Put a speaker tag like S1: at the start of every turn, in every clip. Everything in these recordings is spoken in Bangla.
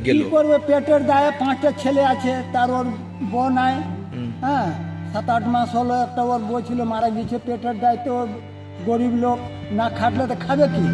S1: গেল?
S2: কি করবে, পেটের দায়ে 5টা ছেলে আছে, তার ওর বউ নাই। হ্যাঁ, 7-8 মাস হলো, একটা ওর বউ ছিল মারা গেছে। পেটের দায়ে তো গরিব লোক, না খাটলে তো খাবে কি?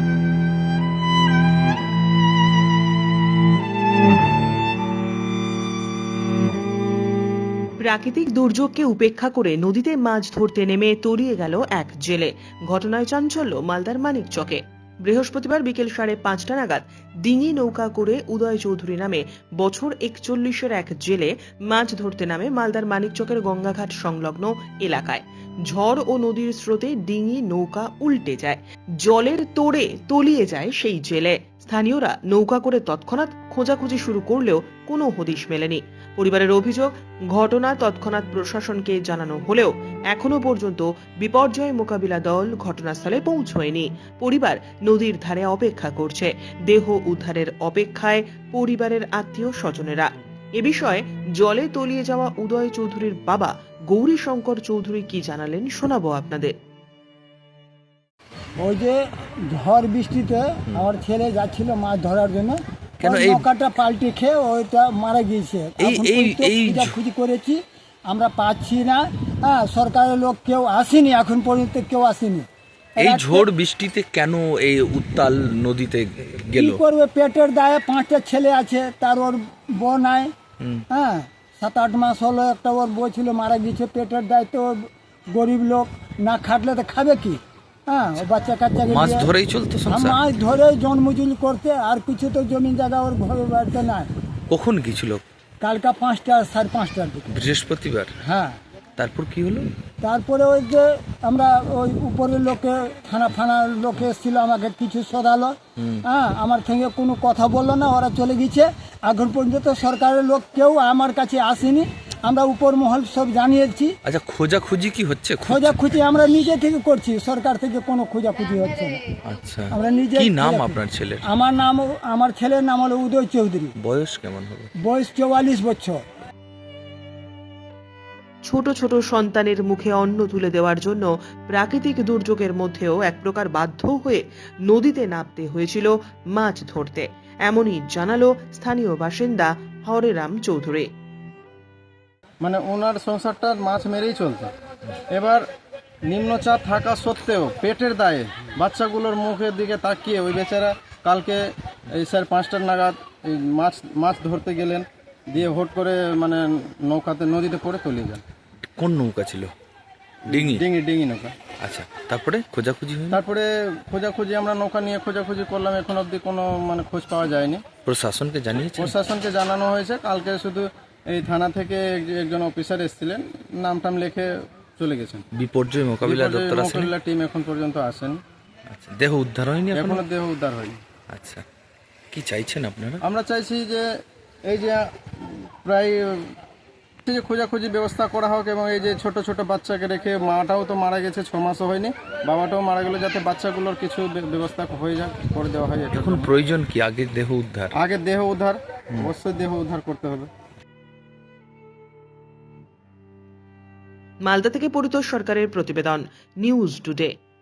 S3: প্রাকৃতিক দুর্যোগকে উপেক্ষা করে নদীতে মাছ ধরতে নেমে তলিয়ে গেল এক জেলে। ঘটনায় চাঞ্চল্য মালদার মানিকচকে। বৃহস্পতিবার বিকেল 5:30 নাগাদ ডিঙি নৌকা করে উদয় চৌধুরী নামে বছর 41-এর এক জেলে মাছ ধরতে নামে মালদার মানিকচকের গঙ্গাঘাট সংলগ্ন এলাকায়। ঝড় ও নদীর স্রোতে ডিঙি নৌকা উল্টে যায়, জলের তোড়ে তলিয়ে যায় সেই জেলে। স্থানীয়রা নৌকা করে তৎক্ষণাৎ খোঁজাখুঁজি শুরু করলেও কোনো হদিশ মেলেনি। পরিবারের অভিযোগ, ঘটনা তৎক্ষণাৎ প্রশাসনকে জানানো হলেও এখনো পর্যন্ত বিপর্যয় মোকাবিলা দল ঘটনাস্থলে পৌঁছয়নি। পরিবার নদীর ধারে অপেক্ষা করছে। দেহ উদ্ধারের অপেক্ষায় পরিবারের আত্মীয় স্বজনেরা। এ বিষয়ে জলে তলিয়ে যাওয়া উদয় চৌধুরীর বাবা গৌরী শঙ্কর চৌধুরী কি জানালেন শোনাবো আপনাদের।
S2: ওই যে ঝড় বৃষ্টিতে আমার ছেলে যাচ্ছিল মাছ ধরার জন্য,
S1: কেন
S2: ওই
S1: এই-
S2: নৌকাটা পাল্টে খেয়ে ওইটা মারা গিয়েছে। খোঁজাখুঁজি করেছি, আমরা পাচ্ছি না। হ্যাঁ, সরকারের লোক কেউ আসেনি, এখন পর্যন্ত কেউ আসেনি।
S1: এই ঝড় বৃষ্টিতে কেন এই উত্তাল নদীতে গেল?
S2: কি করবে, পেটের দায়ে 5টা ছেলে আছে, তার ওর বউ নাই। হ্যাঁ, 7-8 মাস হলো, একটা ওর বউ ছিল মারা গিয়েছে। পেটের দায়ে তো গরিব লোক, না খাটলে তো খাবে কি? হ্যাঁ, ও বাচ্চা কাচ্চাকে
S1: মাছ
S2: নিয়ে-
S1: ধরেই চলতো সংসার?
S2: মাছ ধরে জন্মজুলি করতে, আর কিছু তো জমি জায়গা ওর ঘরে বাড়িতে নাই।
S1: কখন গেছিল?
S2: কালকা 5টা 5:30টার দিকে।
S1: বৃহস্পতিবার।
S2: হ্যাঁ,
S1: তারপর কি হলো?
S2: তারপরে ওই যে আমরা ওই উপরের লোকে থানার লোকে এসেছিল, আমাকে কিছু শোধালো। হ্যাঁ, আমার সঙ্গে কোনো কথা বললো না, ওরা চলে গেছে। এখন পর্যন্ত সরকারের লোক কেউ আমার কাছে আসেনি। আমরা উপর মহল সব জানিয়েছি।
S1: আচ্ছা, খোঁজাখুঁজি কি হচ্ছে?
S2: খোঁজাখুঁজি আমরা নিজে থেকে করছি, সরকার থেকে কোনো খোঁজাখুঁজি হচ্ছে না।
S1: আচ্ছা,
S2: আমরা নিজে
S1: কি নাম
S2: খোঁজাখুঁজি।
S1: আপনার ছেলের?
S2: আমার ছেলের নাম হলো উদয় চৌধুরী,
S1: বয়স কেমন হবে?
S2: বয়স 44 বছর।
S3: ছোট ছোট সন্তানের মুখে অন্ন তুলে দেওয়ার জন্য প্রাকৃতিক দুর্যোগের মধ্যেও এক প্রকার বাধ্য হয়ে নদীতে নামতে হয়েছিল মাছ ধরতে, এমনই জানালো স্থানীয় বাসিন্দা হরেরাম চৌধুরী।
S4: মানে ওনার সংসারটা মাছ মেরেই চলতো। এবার নিম্নচাপ থাকা সত্ত্বেও পেটের দায়ে বাচ্চাগুলোর মুখের দিকে তাকিয়ে ওই বেচারা কালকে এই 5:30 নাগাদ এই মাছ ধরতে গেলেন, দিয়ে হুট করে মানে নৌকাতে নদীতে পড়ে তলিয়ে যান।
S1: কোন নৌকা ছিল? ডিঙি?
S4: ডিঙি নৌকা।
S1: আচ্ছা, তারপরে খোঁজাখুঁজি হয়নি?
S4: তারপরে খোঁজাখুঁজি আমরা নৌকা নিয়ে খোঁজাখুঁজি করলাম, এখন অবধি কোনো মানে খোঁজ পাওয়া যায়নি।
S1: প্রশাসনকে জানিয়েছেন?
S4: প্রশাসনকে জানানো হয়েছে, কালকে শুধু এই থানা থেকে একজন অফিসার এসেছিলেন, নাম লেখে চলে গেছেন।
S1: বিপর্যয় মোকাবিলা দপ্তর আসেনি?
S4: মোকাবিলা টিম এখন পর্যন্ত আসেন,
S1: আচ্ছা, দেহ উদ্ধার হয়নি এখনো?
S4: এখনো দেহ উদ্ধার হয়নি।
S1: আচ্ছা, কি চাইছেন আপনারা?
S4: আমরা চাইছি যে এই যে প্রায় যে খোঁজাখুঁজি ব্যবস্থা করা হোক, এবং এই যে ছোট ছোট বাচ্চাকে রেখে, মাটাও তো মারা গেছে, 6 মাসও হয়নি, বাবাটাও মারা গেল, যাতে বাচ্চাগুলোর কিছু ব্যবস্থা হয়ে যায়, করে দেওয়া হয়। এটা
S1: এখন প্রয়োজন কি? আগে দেহ উদ্ধার?
S4: আগে দেহ উদ্ধার, অবশ্যই দেহ উদ্ধার করতে হবে।
S3: মালদা থেকে পরিতোষ সরকারের প্রতিবেদন, নিউজ টুডে।